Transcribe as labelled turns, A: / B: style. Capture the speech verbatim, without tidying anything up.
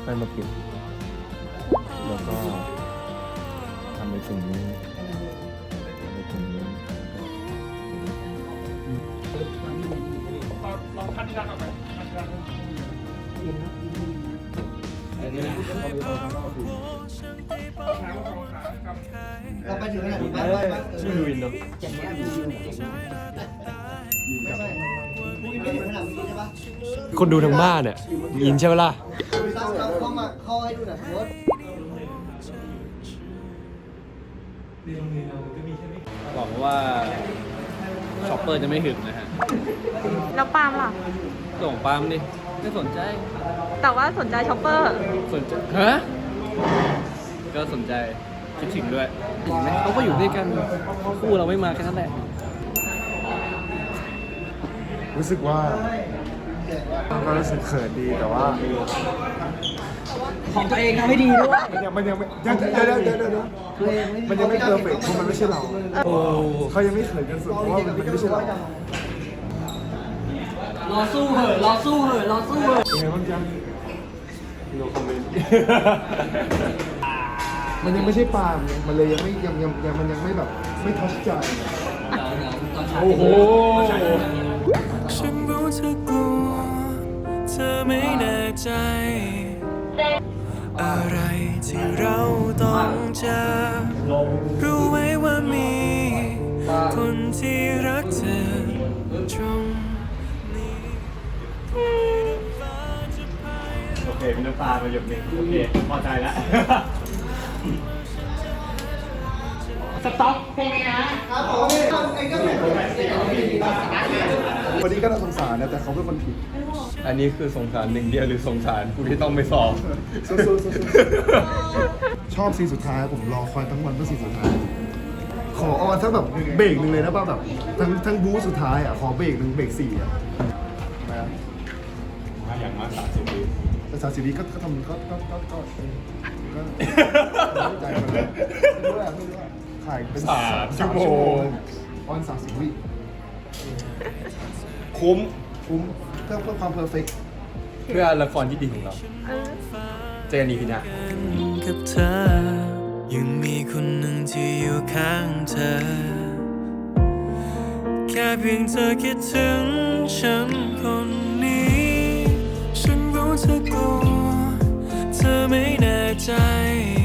A: อยๆมาปิดแล้วก็ทำในสิ่งนี้ทำในสิ่งนี้
B: ลองคัดที่ด้านออกไปคัดที่ด้าน
C: อันนี้นะ
D: เราไปถึงขนาดนี้บ้างบ้าง
A: ชื่อวินเนาะ
D: อย่างนี้มีวิวไม่ใช่พวกนี้ไม่ถึงขนาดนี้ใช่ปะ
A: คนดูทั้งบ้านเนี่ยยินใช่ไหมล่ะ
D: ตั้งเราเข้ามาเข้าให้ดูหน่อยโค้ด
C: หวังว่าช็อปเปอร์จะไม่หึงนะฮะ
E: แล้วปาล์มล่ะ
C: ส่งปาล์มดิไม่สนใจ
E: แต่ว่าสนใจช็อปเปอร์
C: สนใจฮะก็สนใจคิดถึงด้วยเห็นไหมเขาก็อยู่ด้วยกันคู่เราไม่มาแค่นั้นแหละ
A: รู้สึกว่าก็รู้สึกเขินดีแต่ว่า
D: ของตัวเองทำให้ดีด้วย
A: มันยังมันยังไม่ยังเดี๋ยวเดี๋ยวเดี๋ยวเดี๋ยวมันยังไม่เพอร์เฟกต์เพราะมันไม่ใช่เราโอ้เขายังไม่เขินกันสุดเพราะว่ามันไม่ใช่เรา
D: รอสู้เหอะรอสู้เหอะรอสู้เหอะ
A: ยังไงบ้างจ๊ะโนคอมเมนต์มันยังไม่ใช่ปาล์มมันเลยยังไม่ยังยังยังมันยังไม่แบบไม่ทัชใจโอ้โห
F: ฉันรู้เธอกลัวเธอไม่แน่ใจ อะไรที่เราต้องเจอรู้ไหมว่ามีคนที่รักเธอตรงนี้
A: โอเคมีน้ำตามาหยดหนึ่งโอเคพอใจแล้ว
D: สต็อกเพลงนะครับผมเองก็เป็นคนแบบนี้
A: วันนี้ก็น่าสงสารนะแต่เขาเป็นคนผิดอันนี้คือสงสารหนึ่งเดียวหรือสงสารกูที่ต้องไปสอบชอบซีนสุดท้ายผมรอคอยทั้งวันเพื่อซีนสุดท้ายขอออนสักแบบเบรกหนึ่งเลยนะป่ะแบบทั้งทั้งบู๊สุดท้ายอ่ะขอเบรกหนึ่งเบรกสี่อ่ะมาอย่างมากสามสิบวิแต่สามสิบวิก็ทำก็ก็ก็ก็ก็ใจมันเลยไม่รู้อะไม่รู้อะถ่ายเป็นสามชั่วโมงออนสามสิบวิคุ้มคุ้มเพื่อเพื่อความเพอร์เฟกต์เพื่อละครที่ดีของเราเจอกันอีพีหน้า
F: กับเธอยังมีคนหนึ่งที่อยู่ข้างเธอ แค่เพียงเธอคิดถึงฉันคนนี้ ฉันรู้เธอกลัวเธอไม่แน่ใจ